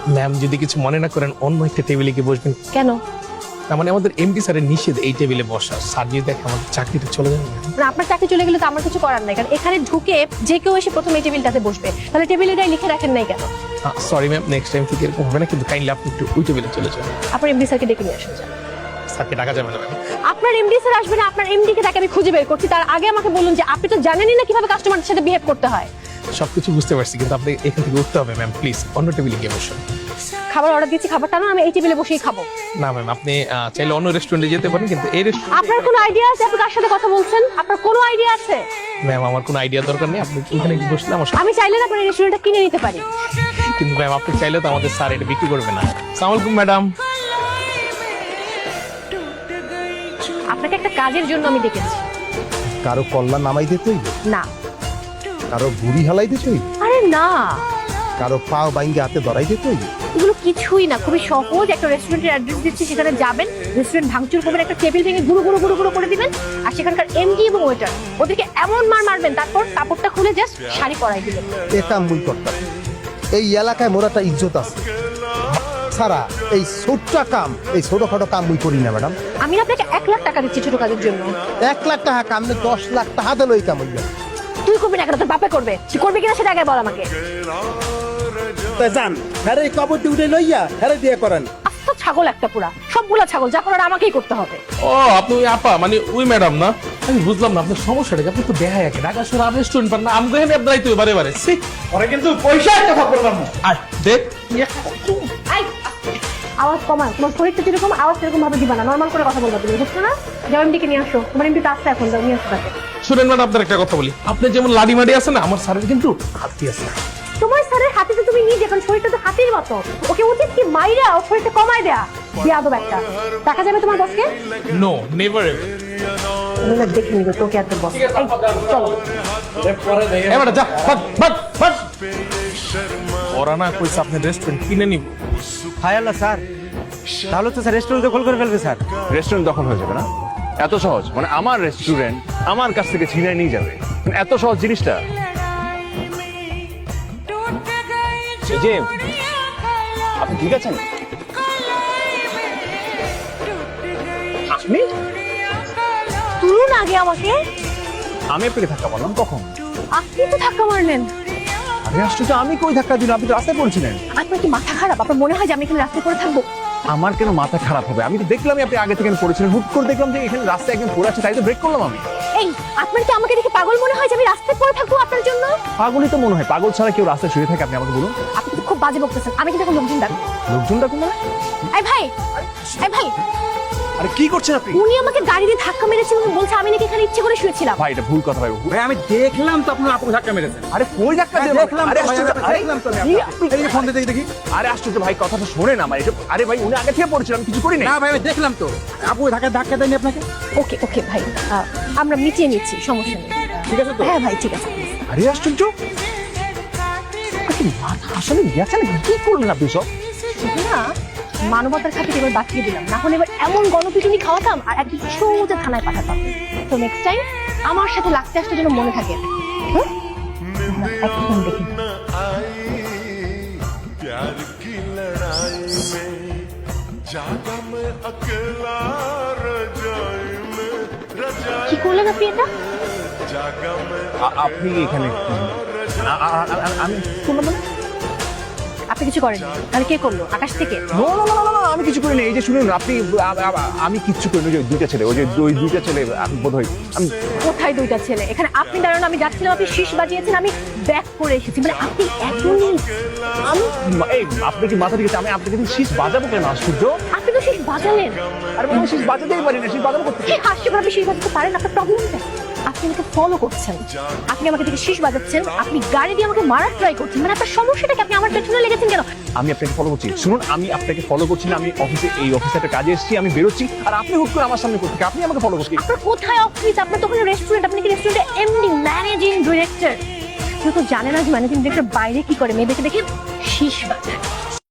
Ma'am যদি কিছু মনে না করেন অন্য একটা টেবিলে গিয়ে বসবেন। কেন? তার মানে আমাদের এমডি স্যারের নিষেধ এই টেবিলে বসা। স্যার যদি দেখে আমাদের চাকরিটা চলে যাবে। মানে আপনার চাকরি চলে গেলে তো আমার কিছু করার নাই, কারণ এখানে ঢুকে যে কেউ এসে প্রথমে এই টেবিলটাতে বসবে, তাহলে টেবিলের গায়ে লিখে রাখেন নাই কেন? সরি ম্যাম, নেক্সট টাইম থেকে এরকম হবে না, কিন্তু কাইন্ডলি আপনি একটু ওই টেবিলে চলে যান। আপনার এমডি স্যারকে ডেকে নিয়ে আসুন। স্যারকে ডাকা যাবে না ম্যাম। আপনার এমডি স্যার আসবে না, আপনার এমডি কে তাকে আমি খুঁজে বের করছি। তার আগে আমাকে বলুন যে আপনি তো জানেনই না কিভাবে কাস্টমারদের সাথে বিহেভ করতে হয়। সবকিছু বুঝতে পারছি, কিন্তু আপনি এখান থেকে উঠতে হবে ম্যাম, প্লিজ অন্য টেবিলে গিয়ে বসুন। খাবার অর্ডার দিয়েছি, খাবারটা না আমি এই টেবিলে বসেই খাবো। না ম্যাম, আপনি চাইলে অন্য রেস্টুরেন্টে যেতে পারেন, কিন্তু এই রেস্টুরেন্ট। আপনার কোনো আইডিয়া আছে আপনি কার সাথে কথা বলছেন? আপনার কোনো আইডিয়া আছে? ম্যাম আমার কোনো আইডিয়া দরকার নেই, আপনি এখানে বসলে আমার আমি চাইলে না আপনার এই রেস্টুরেন্টটা কিনে নিতে পারি। কিন্তু ম্যাম আপনি চাইলে তো আমাদের স্যার এটা বিক্রি করবে না। আসসালামু আলাইকুম ম্যাডাম। আপনাকে একটা কাজের জন্য আমি ডেকেছি। কারো কল্লা নামাই দিতে হইবে, না। কারো বুড়ি হালাই দিতে হইবে, আরে না, কারো পাও বাইঙ্গে হাতে ধরাই দিতে হইবে। এগুলো কিছুই না, খুবই সহজ। একটা রেস্টুরেন্টের অ্যাড্রেস দিচ্ছি, সেখানে যাবেন, রেস্টুরেন্ট ভাঙচুর করবেন, একটা টেবিল ভেঙে গুঁড়ো গুঁড়ো গুঁড়ো গুঁড়ো করে দিবেন, আর সেখানকার এমডি এবং ওয়েটার ওদেরকে এমন মার মারবেন, তারপর কাপড়টা খুলে জাস্ট শাড়ি পরাই দিবেন। এটা মুই করতাম। এই এলাকায় মোর একটা ইজ্জত আছে সারা, এই ছোট্ট কাম, এই ছোটখাটো কাম মুই করি না ম্যাডাম। আমি আপনাকে 1 লাখ টাকা দিচ্ছি ছোট কাজের জন্য। 1 লাখ টাকা কাম নে 10 লাখ টাকা দিলে ওই কাম হইবে। তুই করবি না কেন? তোর বাপে করবে। তুই করবি কিনা সেটা আগে বল আমাকে। তা জান হ্যাঁ এই কবর দিয়ে উঠে লইয়া হ্যাঁ দিয়ে করেন। আস্ত ছাগল একটা পুরা, সবগুলা ছাগল, যা করার আমাকেই করতে হবে। ও আপনি ওই আপা মানে ওই ম্যাডাম না? আমি বুঝলাম না আপনার সমস্যাটা কি। আপনি তো দেখা একে ঢাকা শহরে আর রেস্টুরেন্ট পান না, আমি এখানে আপনারাই তো বারে বারে ওরা কিন্তু পয়সা একটা খবর পাবো। আর দেখ আই, আওয়াজ কমান। তোমার শরীরটা যেরকম, আওয়াজ সেরকম ভাবে দিবা না, নর্মাল করে কথা বলবা। তুমি বুঝছো না? যাও এমডিকে নিয়ে আসো। তোমার এমডি তো আসছে এখন, যাও নিয়ে আসো তাকে। শুনেন ম্যাডাম, আপনার একটা কথা বলি। আপনি যেমন লাডি মাডি আছে না, আমার স্যারের কিন্তু হাতি আছে। তোমার স্যারের হাতে তো তুমি নিজে, এখন শরীরটা তো হাতির মতো। ওকে উচিত কি মাইরা ও শরীরটা কমায় দেয়া। বিয়াদব একটা। দেখা যাবে তোমার বসকে? No never ever. তুমি না দেখে নিবে তোকে আর তোর বস। এই চলো। এবার যা ভাগ ভাগ ভাগ। ওরা না কইছে আপনি রেস্টুরেন্ট কিনে নিব। হায় আল্লাহ স্যার, তাহলে তো স্যার রেস্টুরেন্ট দখল করে ফেলবে স্যার। রেস্টুরেন্ট দখল হয়ে যাবে না? এত সহজ? মানে আমার রেস্টুরেন্ট আমার কাছ থেকে ছিনিয়ে নিয়ে যাবে? মানে এত সহজ জিনিসটা? এই যে আপনি ঠিক আছেন? আপনি? তুলুন আগে আমাকে। আমি আপনাকে ধাক্কা মারলাম কখন? আপনি তো ধাক্কা মারলেন। আরে আশ্চর্য, আমি কই ধাক্কা দিলাম? আপনি তো রাস্তায় পড়ছিলেন। আপনার কি মাথা খারাপ? আপনার মনে হয় যে আমি এখানে রাস্তায় পড়ে থাকবো? আমার কেন মাথা খারাপ হবে? আমি তো দেখলামই আপনি আগে থেকে পড়েছিলেন, হুট করে দেখলাম যে এখানে রাস্তায় একজন পড়ে আছে, তাই তো ব্রেক করলাম আমি। এই, আপনার কি আমাকে দেখে পাগল মনে হয় যে আমি রাস্তায় পড়ে থাকবো আপনার জন্য? পাগলই তো মনে হয়। পাগল ছাড়া কেউ রাস্তায় শুয়ে থাকে? আপনি আমাকে বলুন। আপনি তো খুব বাজে বকতেছেন। আমি কিন্তু এখন লোকজন ডাকবো। লোকজন ডাকুন মানে? এই ভাই, এই ভাই, আরে কি করছেন আপনি? উনি আমাকে গাড়ি দিয়ে ধাক্কা মেরেছেন এবং বলছে আমি নাকি এখানে ইচ্ছে করে শুয়েছিলাম। ভাই এটা ভুল কথা ভাই। ভাই আমি দেখলাম তো আপনার আপুকে ধাক্কা মেরেছেন। আরে কই ধাক্কা দিলাম? দেখলাম আরে তো ভাই, আশ্চর্য, আরে দেখলাম তো আমি কি আপনাকে। এই যে ফোন দিয়ে দেখি। আরে আশ্চর্য ভাই, কথাটা শোনেন আমার। এটা আরে ভাই উনি আগে থেকে পড়েছিলাম, কিছু করি না। না ভাই আমি দেখলাম তো। আপুকে ধাক্কা দেয়নি আপনাকে? ওকে ওকে ভাই, আমরা মিটিয়ে নিচ্ছি, সমস্যা নেই। ঠিক আছে তো? হ্যাঁ ভাই ঠিক আছে। আরে আশ্চর্য, আপনি মাথা আসলে গেছেন? কি করলেন আপনি সব? না, মানবতার খাতিরে এবার বাঁচিয়ে দিলাম, না হলে এবার এমন গণপিটুনি খাওয়াতাম আর একদিন সোজা থানায় পাঠাতাম। তো নেক্সট টাইম আমার সাথে লাগতে আসতে যেন মনে থাকে। হুম? একদম দেখি। प्यार की लड़ाई में जागा मैं अकेला रजाई में रजाई কি করলেন আপনি এটা? जागा मैं আপনি এখানে আমি শুনলাম মানে? আপনি কিছু করেন? তাহলে কে করলো? আকাশ থেকে? নো নো নো নো, আমি কিছু করিনি। এই যে শুনুন আপনি, আমি কিচ্ছু করিনি। ওই যে দুইটা ছেলে, ওই যে ওই দুইটা ছেলে বোধ হয়। আমি কোথায় দুইটা ছেলে? এখানে আপনি দাঁড়ানো, আমি যাচ্ছিলাম, আপনি শীষ বাজিয়েছেন, আমি ব্যাক করে এসেছি। মানে আপনি এখনই, আমি এই আপনি কি মাথা ঠিক আছে? আমি আপনাকে শীষ বাজাবো কেন? আশ্চর্য, আপনি তো শীষ বাজালেন। আরে আমি শীষ বাজাতেই পারি না। শীষ বাজাবো করতে কি হাস্যকর, আপনি শীষ বাজাতে পারেন? আপনার প্রবলেমটা, আপনি আমাকে ফলো করছেন, আপনি আমাকে থেকে শীষ বাজাচ্ছেন, আপনি গাড়ি দিয়ে আমাকে মারার ট্রাই করছেন। মানে আপনার সমস্যাটা কি? আপনি আমার পেছনে লেগেছেন কেন? আমি আপনাকে ফলো করছি। শুনুন, আমি আপনাকে ফলো করছি না। আমি অফিসে, এই অফিসে একটা কাজে এসেছি, আমি বেরোচ্ছি, আর আপনি হুট করে আমার সামনে করতে, আপনি আমাকে ফলো করছেন। আপনার কোথায় অফিস? আপনার তো ওখানে রেস্টুরেন্ট। আপনি কি রেস্টুরেন্টের এমডি, ম্যানেজিং ডিরেক্টর? কেউ তো জানে না যে ম্যানেজিং ডিরেক্টর বাইরে কি করে, মেয়েদেরকে দেখে শীষ বাজায়।